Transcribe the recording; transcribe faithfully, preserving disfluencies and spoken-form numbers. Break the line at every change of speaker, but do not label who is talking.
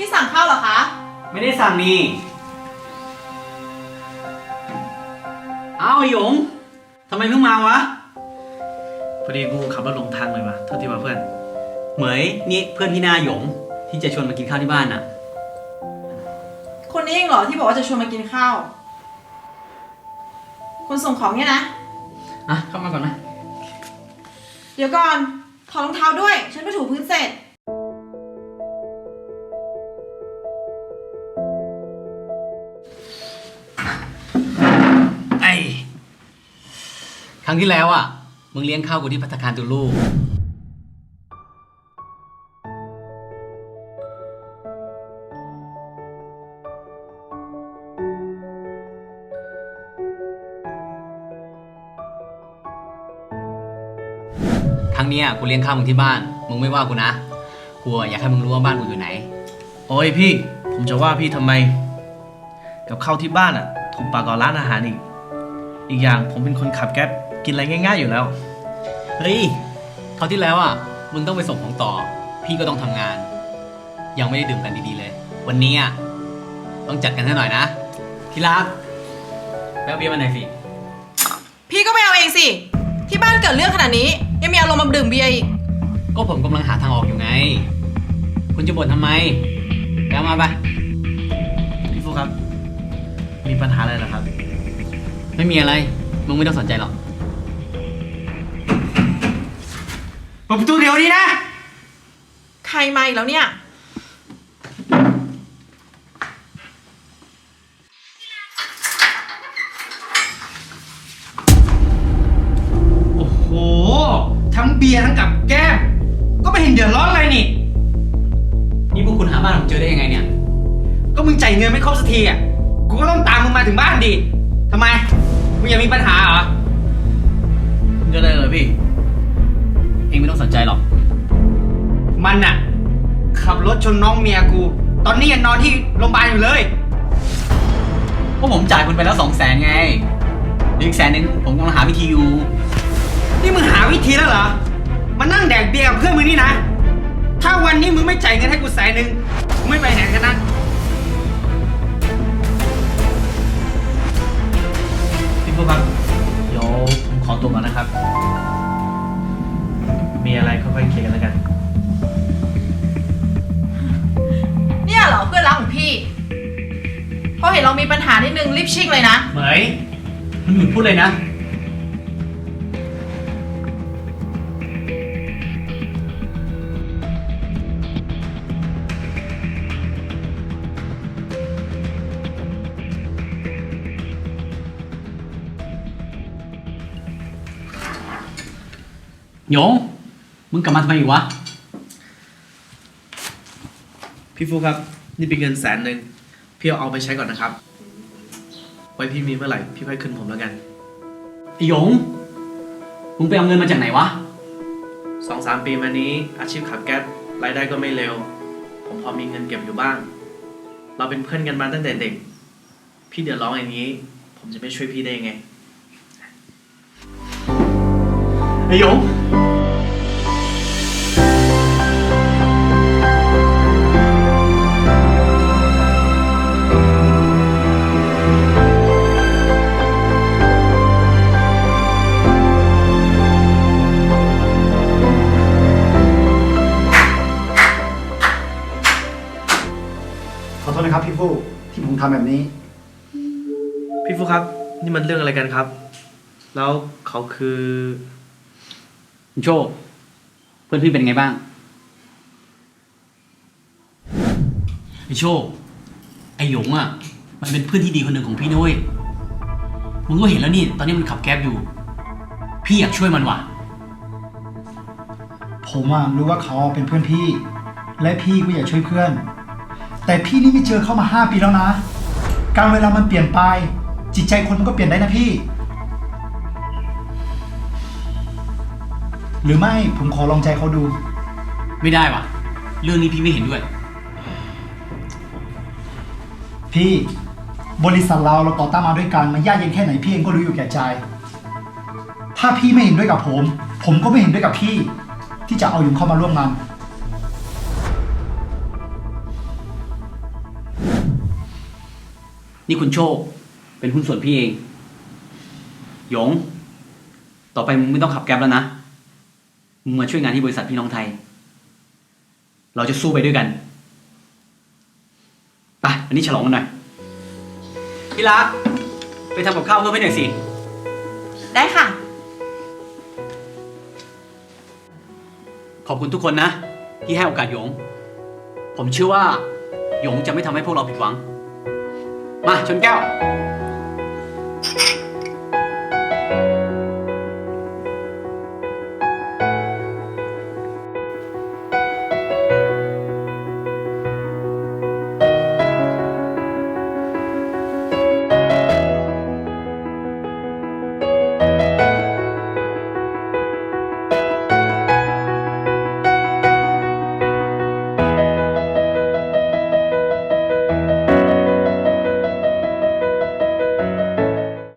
สั่งข้าวเหรอคะ
ไม่ได้สั่งนี่อ้าวหยงทำไมเพิ่งมาวะ
พอดีกูขับรถหลงทางเลยว่ะโทษทีว่าเพื่อน
เหมยนี่เพื่อนพี่นาหยงที่จะชวนมากินข้าวที่บ้านน่ะ
คนนี้เองเหรอที่บอกว่าจะชวนมากินข้าวคนส่งของเนี่ยนะ
อ่ะเข้ามาก่อนนะ
เดี๋ยวก่อนถอดรองเท้าด้วยฉันไปถูพื้นเสร็จ
ไอ้ครั้งที่แล้วอ่ะมึงเลี้ยงข้าวกูที่ภัตตาคารตูลูครั้งนี้กูเลี้ยงข้าวมึงที่บ้านมึงไม่ว่ากูนะกูอยากให้มึงรู้ว่าบ้านกูอยู่ไหน
โอ้ยพี่ผมจะว่าพี่ทำไมกับข้าวที่บ้านอ่ะถูกปากกว่าร้านอาหารอีกอีกอย่างผมเป็นคนขับแก๊ปกินอะไรง่ายๆอยู่แล้ว
เฮ้ยคราวที่แล้วอ่ะมึงต้องไปส่งของต่อพี่ก็ต้องทำงานยังไม่ได้ดื่มกันดีๆเลยวันนี้อ่ะต้องจัดกันให้หน่อยนะที่รักแป๊บเบียร์มาหน่อยสิ
พี่ก็ไปเอาเองสิที่บ้านเกิดเรื่องขนาดนี้ยังมีอารมณ์มาดื่มเบียร์อีก
ก็ผมกำลังหาทางออกอยู่ไงคุณจะบ่นทำไมไปเอามาไป
พี่ฟูครับมีปัญหาอะไรเหรอครับ
ไม่มีอะไรมึงไม่ต้องสนใจหรอกเปิดประตูเดี๋ยวนี้นะ
ใครมาอีกแล้วเนี่ย
โอ้โหทั้งเบียร์ทั้งกับแก้มก็ไม่เห็นเดือดร้อนอะไรนี่
นี่พวกคุณหาบ้านผมเจอได้ยังไงเนี่ย
ก็มึงจ่ายเงินไม่ครบสักทีอ่ะกูก็ต้องตามมึงมาถึงบ้านดิทำไมมึงยังมีปัญหาเหรอ
เรื่องอะไรเลยพี่
เองไม่ต้องสนใจหรอก
มันน่ะขับรถชนน้องเมียกูตอนนี้ยังนอนที่โรงพยาบาลอยู่เลย
พวกผมจ่ายคุณไปแล้วสองแสนไงอีกแสนนึงผมกำลังหาวิธีอยู่
นี่มึงหาวิธีแล้วเหรอมานั่งแดกเบียร์กับเพื่อนมึงนี่นะถ้าวันนี้มึงไม่จ่ายเงินให้กูแสนนึงมึงไม่ไปไหนกันนะ
พี่ฟูครับเดี๋ยวผมขอตัวก่อนนะครับมีอะไรค่อยๆเคลียร์กันแล้วกัน
เนี่ยเหรอเพื่อนรักของพี่พอเห็นเรามีปัญหานิดนึงรีบชิ่งเลยนะ
เหมยมึงหยุดพูดเลยนะหยงมึงกลับมาทำไมอีกวะ
พี่ฟูครับนี่เป็นเงินแสนหนึ่งพี่เอาไปใช้ก่อนนะครับไว้พี่มีเมื่อไหร่พี่ค่อยคืนผมแล้วกัน
ไอ้หยงมึงไปเอาเงินมาจากไหนวะ
สองสามปีมานี้อาชีพขับแก๊ปรายได้ก็ไม่เร็วผมพอมีเงินเก็บอยู่บ้างเราเป็นเพื่อนกันมาตั้งแต่เด็กพี่เดือดร้อนอย่างนี้ผมจะไม่ช่วยพี่ได้ยังไง
ไอ้หยง
ขอโทษนะครับพี่ฟูที่ผมทำแบบนี้
พี่ฟูครับนี่มันเรื่องอะไรกันครับแล้วเขาคือ
โชคเพื่อนพี่เป็นไงบ้างไอโชคไอหยงอ่ะมันเป็นเพื่อนที่ดีคนหนึ่งของพี่ด้วยมึงก็เห็นแล้วนี่ตอนนี้มันขับแก๊บอยู่พี่อยากช่วยมันว่ะ
ผมอ่ะรู้ว่าเขาเป็นเพื่อนพี่และพี่ก็อยากช่วยเพื่อนแต่พี่นี่ไม่เจอเขามาห้าปีแล้วนะการเวลามันเปลี่ยนไปจิตใจคนมันก็เปลี่ยนได้นะพี่หรือไม่ผมขอลองใจเขาดู
ไม่ได้ว่ะเรื่องนี้พี่ไม่เห็นด้วย
พี่บริษัทเราเราต่อต้านมาด้วยกันมันยากเย็นแค่ไหนพี่เองก็รู้อยู่แก่ใจถ้าพี่ไม่เห็นด้วยกับผมผมก็ไม่เห็นด้วยกับพี่ที่จะเอาหยงเข้ามาร่วมงาน
นี่คุณโชค เป็นหุ้นส่วนพี่เอง หยง ต่อไปมึงไม่ต้องขับแก๊ปแล้วนะ มึงมาช่วยงานที่บริษัทพี่น้องไทย เราจะสู้ไปด้วยกัน ไปวันนี้ฉลองกันหน่อย พี่รัก ไปทำกับข้าวเพิ่มให้หน่อยสิ
ได้ค่ะ
ขอบคุณทุกคนนะ ที่ให้โอกาสหยง ผมเชื่อว่า หยงจะไม่ทำให้พวกเราผิดหวัง มาชนแก้ว